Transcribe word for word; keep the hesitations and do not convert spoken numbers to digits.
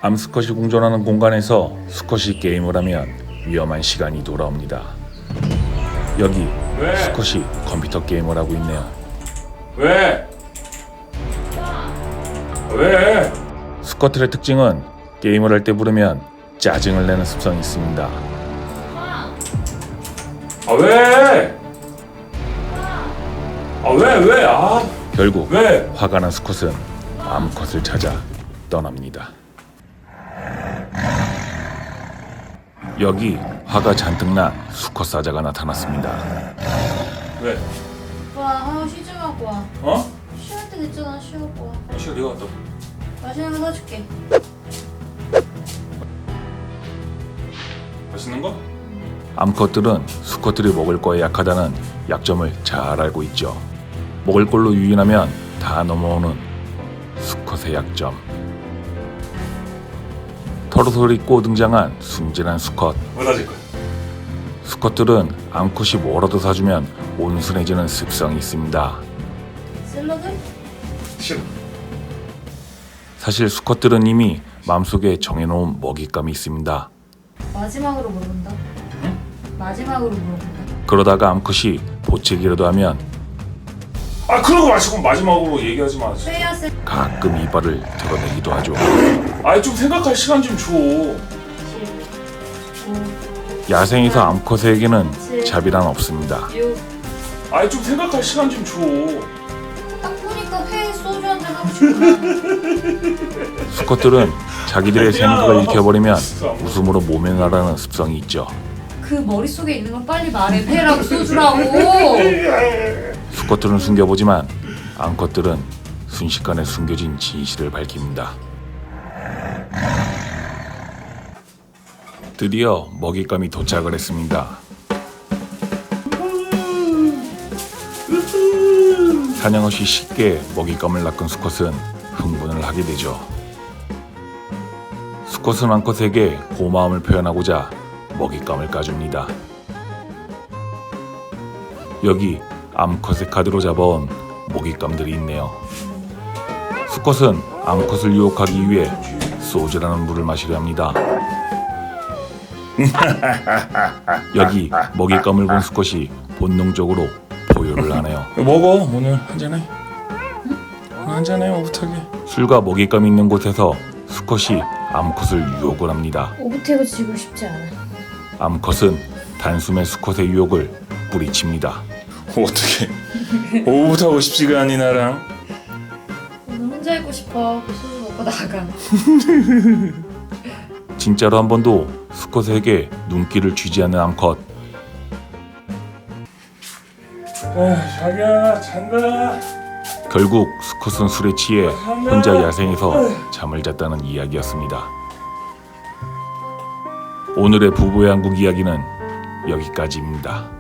암스컷이 공존하는 공간에서 스컷이 게임을 하면 위험한 시간이 돌아옵니다. 여기 왜? 스컷이 컴퓨터 게임을 하고 있네요. 왜? 왜? 스쿼트의 특징은 게임을 할 때 부르면 짜증을 내는 습성이 있습니다. 아 왜? 아 왜? 왜? 아 결국 왜? 화가 난 스컷은 암컷을 찾아 떠납니다. 여기 화가 잔뜩 난 수컷 사자가 나타났습니다. 왜? 와, 아, 쉬지 말고 와. 어? 쉬할 때 됐잖아, 쉬고 와. 시간 네가 왔다. 맛있는 거 사줄게. 맛있는 거? 암컷들은 수컷들이 먹을 거에 약하다는 약점을 잘 알고 있죠. 먹을 걸로 유인하면 다 넘어오는 수컷의 약점. 털옷을 입고 등장한 순진한 수컷. 뭐 사줄 거야? 수컷들은 암컷이 뭐라도 사주면 온순해지는 습성이 있습니다. 샐러드? 싫어. 사실 수컷들은 이미 마음속에 정해놓은 먹잇감이 있습니다. 마지막으로 물어본다. 응? 마지막으로 물어본다. 그러다가 암컷이 보채기라도 하면 아 그러고 마시고 마지막으로 얘기하지 마. 회야 샐. 가끔 이빨을 드러내기도 하죠. 아이 좀 생각할 시간 좀 줘. 야생에서 암컷에게는 자비란 없습니다. 육. 아이 좀 생각할 시간 좀 줘. 딱 보니까 회 소주 한잔 하고 싶구나. 수컷들은 자기들의 생각을 읽혀버리면 웃음으로 모면하라는 습성이 있죠. 그 머릿속에 있는 건 빨리 말해. 회라고 소주라고. 수컷들은 숨겨보지만 암컷들은 순식간에 숨겨진 진실을 밝힙니다. 드디어 먹잇감이 도착을 했습니다. 사냥 없이 쉽게 먹잇감을 낚은 수컷은 흥분을 하게 되죠. 수컷은 암컷에게 고마움을 표현하고자 먹잇감을 까줍니다. 여기 암컷의 카드로 잡아온 먹잇감들이 있네요. 수컷은 암컷을 유혹하기 위해 소주라는 물을 마시려 합니다. 여기 먹잇감을 본 수컷이 본능적으로 포효를 하네요. 먹어 오늘 한잔해. 한잔해 오붓하게. 술과 먹잇감이 있는 곳에서 수컷이 암컷을 유혹을 합니다. 오붓해고 지고 싶지 않아. 암컷은 단숨에 수컷의 유혹을 뿌리칩니다. 어떻게 오붓하고 싶지가 않니 나랑? 오늘 혼자 있고 싶어. 술 먹고 나가. 진짜로 한 번도 수컷에게 눈길을 쥐지 않는 암컷. 아 자기야 잔다. 결국 수컷은 술에 취해 혼자 야생에서 잠을 잤다는 이야기였습니다. 오늘의 부부의 한국 이야기는 여기까지입니다.